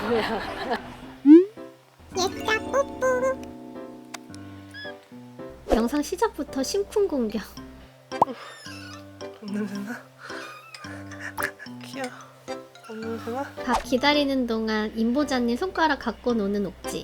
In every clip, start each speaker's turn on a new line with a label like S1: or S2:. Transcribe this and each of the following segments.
S1: 얘들아 뽀뽀.
S2: 영상 시작부터 심쿵 공격.
S3: 없는데나? 귀여워. 없는데나?
S2: 밥 기다리는 동안 임보자님 손가락 갖고 노는 옥지.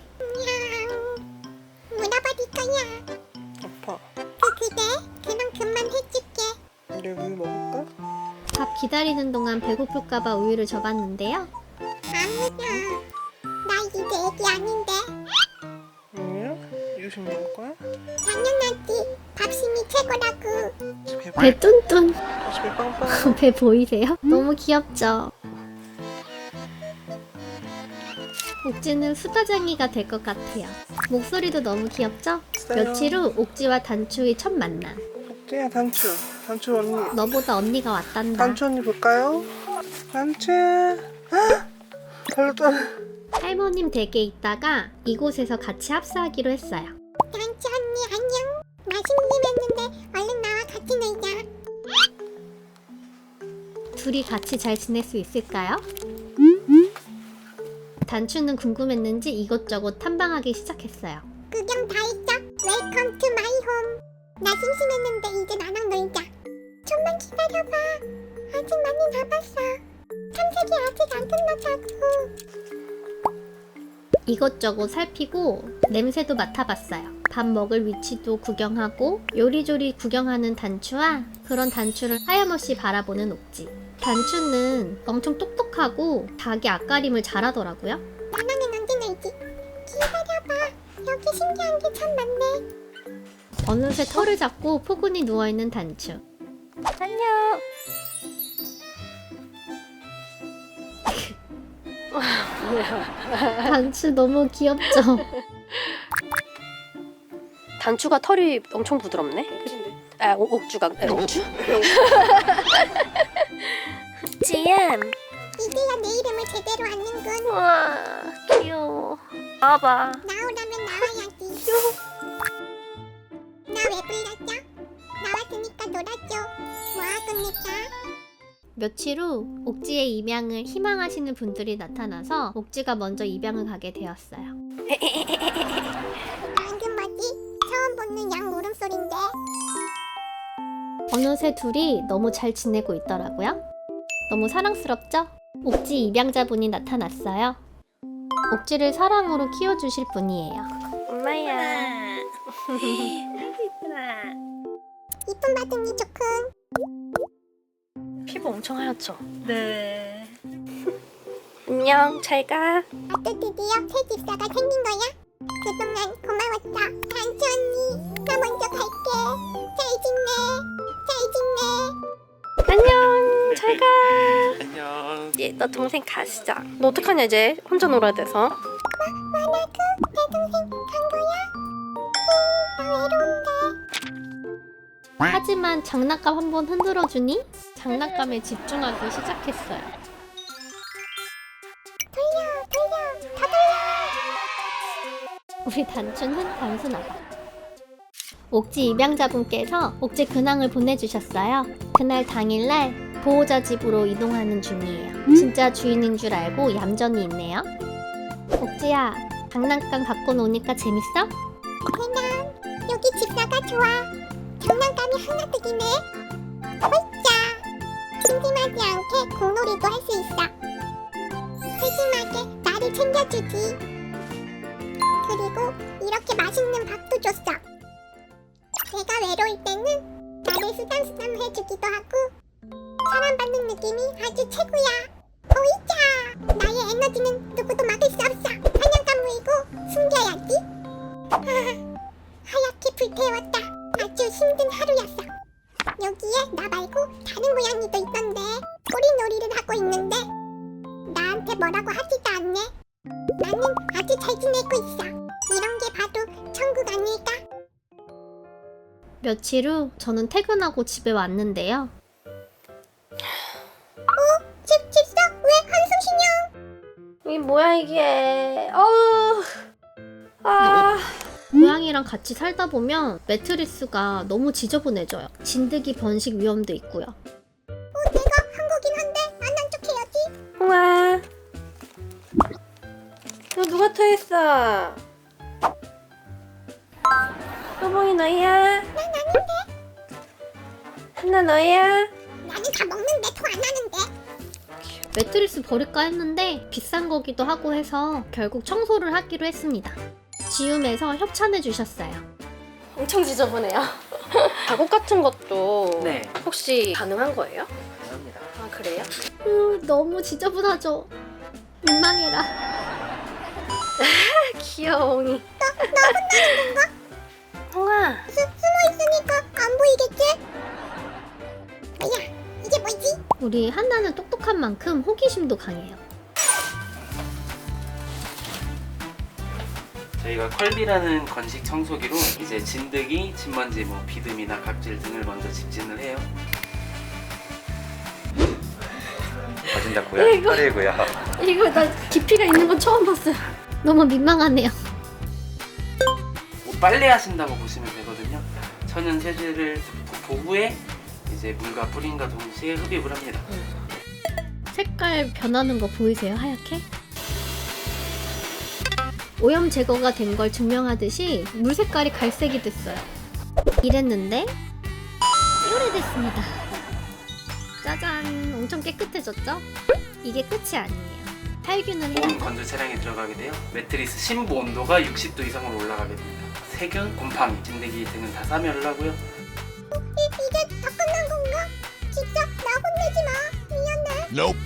S1: 물어버릴 거야.
S3: 아파.
S1: 그래? 그럼 그만 해줄게.
S3: 우리 우유 먹을까?
S2: 밥 기다리는 동안 배고플까봐 우유를 줘봤는데요.
S1: 아니야. 나 이제 애기 아닌데.
S3: 우유야? 이유식 먹을 거야?
S1: 당연하지. 밥심이 최고라고.
S2: 배 뚠뚠.
S3: 배 빵빵.
S2: 배 보이세요? 너무 귀엽죠? 옥지는 수다쟁이가 될 것 같아요. 목소리도 너무 귀엽죠?
S3: 있어요.
S2: 며칠 후 옥지와 단추의 첫 만남.
S3: 옥지야 단추. 단추 언니.
S2: 너보다 언니가 왔단다.
S3: 단추 언니 볼까요? 단추. 별로 떨어.
S2: 할머님 댁에 있다가 이곳에서 같이 합사하기로 했어요.
S1: 단추 언니 안녕. 맛있는 일 했는데 얼른 나와 같이 놀자.
S2: 둘이 같이 잘 지낼 수 있을까요? 단추는 궁금했는지 이것저것 탐방하기 시작했어요.
S1: 구경 다 했어. 웰컴 투 마이 홈. 나 심심했는데 이제 나랑 놀자. 좀만 기다려봐. 아직 많이 남았어. 탐색이 아직 안 끝났다고.
S2: 이것저것 살피고 냄새도 맡아봤어요. 밥 먹을 위치도 구경하고 요리조리 구경하는 단추와 그런 단추를 하염없이 바라보는 옥지. 단추는 엄청 똑똑하고 닭의 앞가림을 잘하더라고요.
S1: 나는 언제 놀지? 기다려봐. 여기 신기한 게 참 많네.
S2: 어느새 털을 잡고 포근히 누워있는 단추.
S4: 안녕.
S2: 단추 너무 귀엽죠?
S4: 단추가 털이 엄청 부드럽네. 아, 옥주가 옥주? 지엠.
S1: 이제야 내 이름을 제대로 아는군.
S4: 와, 귀여워. 봐봐.
S1: 나오라면 나와야지. 나 왜 불렀죠? 나왔으니까 놀아줘. 와 끝냈다.
S2: 며칠 후 옥지의 입양을 희망하시는 분들이 나타나서 옥지가 먼저 입양을 가게 되었어요.
S1: 방금 뭐지? 처음 듣는 양 울음소린데.
S2: 어느새 둘이 너무 잘 지내고 있더라고요. 너무 사랑스럽죠? 옥지 입양자분이 나타났어요. 옥지를 사랑으로 키워주실 분이에요.
S4: 엄마야.
S1: 이쁨 받으니 좋군.
S4: 피부 엄청 하얗죠? 네. 안녕, 잘 가.
S1: 아또 드디어 새 집사가 생긴 거야? 그동안 고마웠다. 단추 언니, 나 먼저 갈게. 잘 지내. 잘 지내.
S4: 안녕, 잘 가.
S3: 안녕.
S4: 얘, 너 동생 가시자. 너 어떡하냐 이제? 혼자 놀아야 돼서.
S1: 만화그 내 동생 간 거야? 나 외로운데.
S2: 하지만 장난감 한번 흔들어주니 장난감에 집중하기 시작했어요.
S1: 돌려, 더 돌려.
S2: 우리 단추는 단순하다. 옥지 입양자분께서 옥지 근황을 보내주셨어요. 그날 당일날 보호자 집으로 이동하는 중이에요. 진짜 주인인 줄 알고 얌전히 있네요. 옥지야, 장난감 갖고 노니까 재밌어?
S1: 대남, 여기 집사가 좋아. 장난감이 하나득이네. 홀짜. 심심하지 않게 공놀이도 할 수 있어. 세심하게 나를 챙겨주지. 그리고 이렇게 맛있는 밥도 줬어. 내가 외로울 때는 나를 쓰담쓰담 해주기도 하고 사랑받는 느낌이 아주 최고야. 오이자. 나의 에너지는 누구도 막을 수 없어. 사냥감 물고 숨겨야지. 하얗게 불태웠다. 아주 힘든 하루였어. 여기에 나 말고 다른 고양이도 있던데 꼬리놀이를 하고 있는데 나한테 뭐라고 하지도 않네. 나는 아주 잘 지내고 있어. 이런 게 봐도 천국 아닐까?
S2: 며칠 후 저는 퇴근하고 집에 왔는데요.
S1: 집사 왜 한숨 쉬냐?
S4: 이게 뭐야 이게? 어우. 아.
S2: 고양이랑 같이 살다 보면 매트리스가 너무 지저분해져요. 진드기 번식 위험도 있고요.
S1: 내가 한 거긴 한데 안 한 척 해야지.
S4: 우와. 누가 토했어? 또봉이 너야?
S1: 난 아닌데.
S4: 하나 너야?
S1: 나는 다 먹는데 토 안 하는데.
S2: 매트리스 버릴까 했는데 비싼 거기도 하고 해서 결국 청소를 하기로 했습니다. 지움에서 협찬해 주셨어요.
S4: 엄청 지저분해요. 작업 같은 것도
S3: 네.
S4: 혹시 가능한 거예요?
S3: 감사합니다.
S4: 아 그래요?
S2: 너무 지저분하죠? 민망해라.
S4: 귀여워이. 나 혼나는 건가? 홍아.
S1: 숨어 있으니까 안 보이겠지? 뭐야? 이게 뭐지?
S2: 우리 한나는 똑똑한 만큼 호기심도 강해요.
S3: 저희가 컬비라는 건식 청소기로 이제 진드기, 진먼지, 뭐 비듬이나 각질 등을 먼저 집진을 해요.
S5: 거진다고요?
S2: 이거-
S5: 털이고요.
S2: 이거 나 깊이가 있는 건 처음 봤어요. 너무 민망하네요.
S3: 뭐 빨래 하신다고 보시면 되거든요. 천연 세제를 도구에 이제 물과 뿌린과 동시에 흡입을 합니다.
S2: 색깔 변하는 거 보이세요? 하얗게? 오염 제거가 된 걸 증명하듯이 물 색깔이 갈색이 됐어요. 이랬는데 오래됐습니다. 짜잔! 엄청 깨끗해졌죠? 이게 끝이 아니에요. 살균을
S3: 보온
S2: 해요.
S3: 건조 차량에 들어가게 돼요. 매트리스 심부 온도가 60도 이상으로 올라가게 됩니다. 세균, 곰팡이, 진드기 등은 다 사멸을 하고요.
S1: 이제 다 끝난 건가? 진짜 나 혼내지 마. 미안해.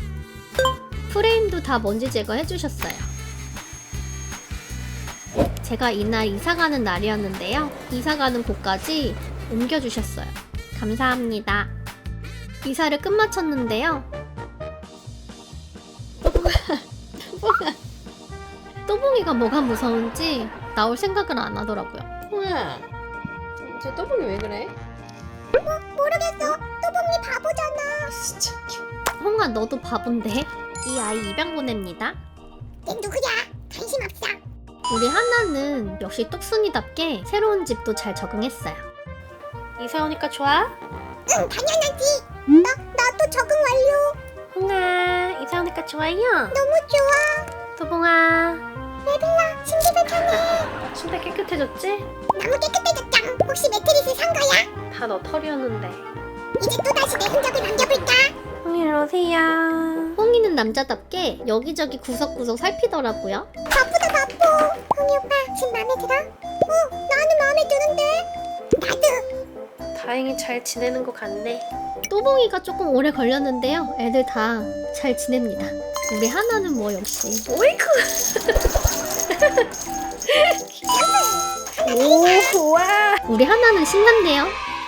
S2: 프레임도 다 먼지 제거해 주셨어요. 제가 이날 이사 가는 날이었는데요. 이사 가는 곳까지 옮겨 주셨어요. 감사합니다. 이사를 끝마쳤는데요. 또봉이가 뭐가 무서운지 나올 생각을 안 하더라고요.
S4: 홍아. 저 또봉이 왜 그래?
S1: 모르겠어. 또봉이 바보잖아.
S4: 진짜 귀여워.
S2: 홍아 너도 바본데? 이 아이 입양 보냅니다.
S1: 쟤 누구야? 관심 없어.
S2: 우리 하나는 역시 똑순이답게 새로운 집도 잘 적응했어요.
S4: 이사 오니까 좋아?
S1: 응, 당연하지. 나도 적응 완료.
S4: 홍아. 이사 오니까 좋아요?
S1: 너무 좋아.
S4: 또봉아.
S1: 레벨라, 침대가 편해.
S4: 침대 깨끗해졌지?
S1: 너무 깨끗해졌다. 혹시 매트리스 산 거야?
S4: 다 너 털이었는데.
S1: 이제 또다시 내 흔적을 남겨볼까?
S4: 홍이 일로 오세요.
S2: 뽕이는 남자답게 여기저기 구석구석 살피더라고요.
S1: 바쁘다 바빠. 흥이 오빠 집 마음에 들어? 나는 마음에 드는데. 나도.
S4: 다행히 잘 지내는 것 같네.
S2: 또봉이가 조금 오래 걸렸는데요. 애들 다 잘 지냅니다. 우리 하나는 뭐 역시.
S4: 오이쿠. 오, 와.
S2: 우리 하나는 신난데요.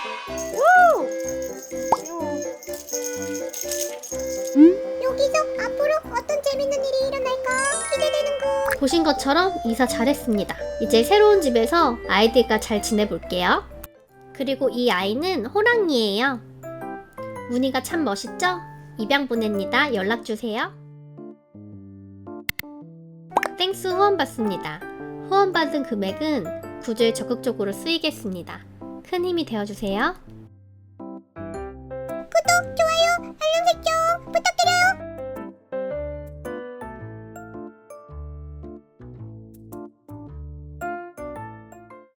S1: 여기서 앞으로 어떤 재밌는 일이 일어날까 기대되는군.
S2: 보신 것처럼 이사 잘했습니다. 이제 새로운 집에서 아이들과 잘 지내볼게요. 그리고 이 아이는 호랑이에요. 무늬가 참 멋있죠? 입양 보냅니다. 연락주세요. 땡스 후원 받습니다. 후원 받은 금액은 구조에 적극적으로 쓰이겠습니다. 큰 힘이 되어주세요.